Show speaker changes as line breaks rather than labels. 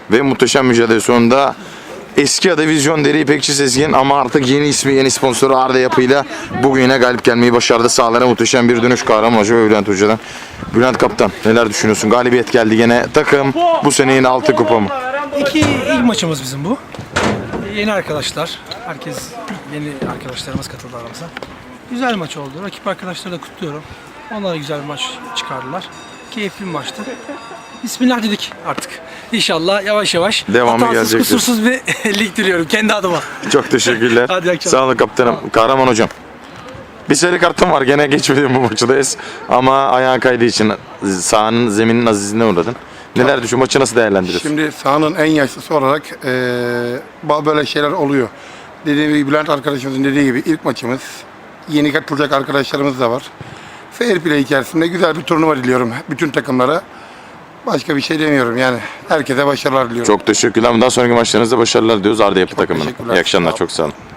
ve muhteşem mücadele sonunda eski adı Vizyon Deri İpekçi Sezgin ama artık yeni ismi, yeni sponsoru Arda Yapı'yla bugüne galip gelmeyi başardı. Sahalara muhteşem bir dönüş Kahraman Hoca ve Bülent Hoca'dan. Bülent Kaptan, neler düşünüyorsun? Galibiyet geldi gene. Takım bu sene yine 6 kupa mı?
İlk maçımız bizim bu. Yeni arkadaşlar. Herkes yeni arkadaşlarımız katıldı aramıza. Güzel maç oldu. Rakip arkadaşları da kutluyorum. Onlar da güzel bir maç çıkardılar. Keyifli bir maçtı. Bismillah dedik artık. İnşallah yavaş yavaş
Devamı
hatasız,
gelecektir.
kusursuz bir lig diliyorum kendi adıma.
Çok teşekkürler.
Hadi iyi akşamlar.
Sağ olun kaptanım. Kahraman Hocam. Bir sarı kartım var. Gene geçmedim bu maçıdayız. Ama ayağın kaydığı için sahanın zeminin azizliğine uğradın. Neler düşün? Maçı nasıl değerlendiriyorsun?
Şimdi sahanın en yaşlısı olarak böyle şeyler oluyor. Dediğim gibi Bülent arkadaşımızın dediği gibi ilk maçımız. Yeni katılacak arkadaşlarımız da var. Fair play içerisinde güzel bir turnuva diliyorum bütün takımlara. Başka bir şey demiyorum yani. Herkese başarılar diliyorum.
Çok teşekkürler. Bundan sonraki maçlarınızda başarılar diliyoruz Arda Yapı takımına.
teşekkürler.
İyi akşamlar.
Sağ ol.
Çok sağ olun.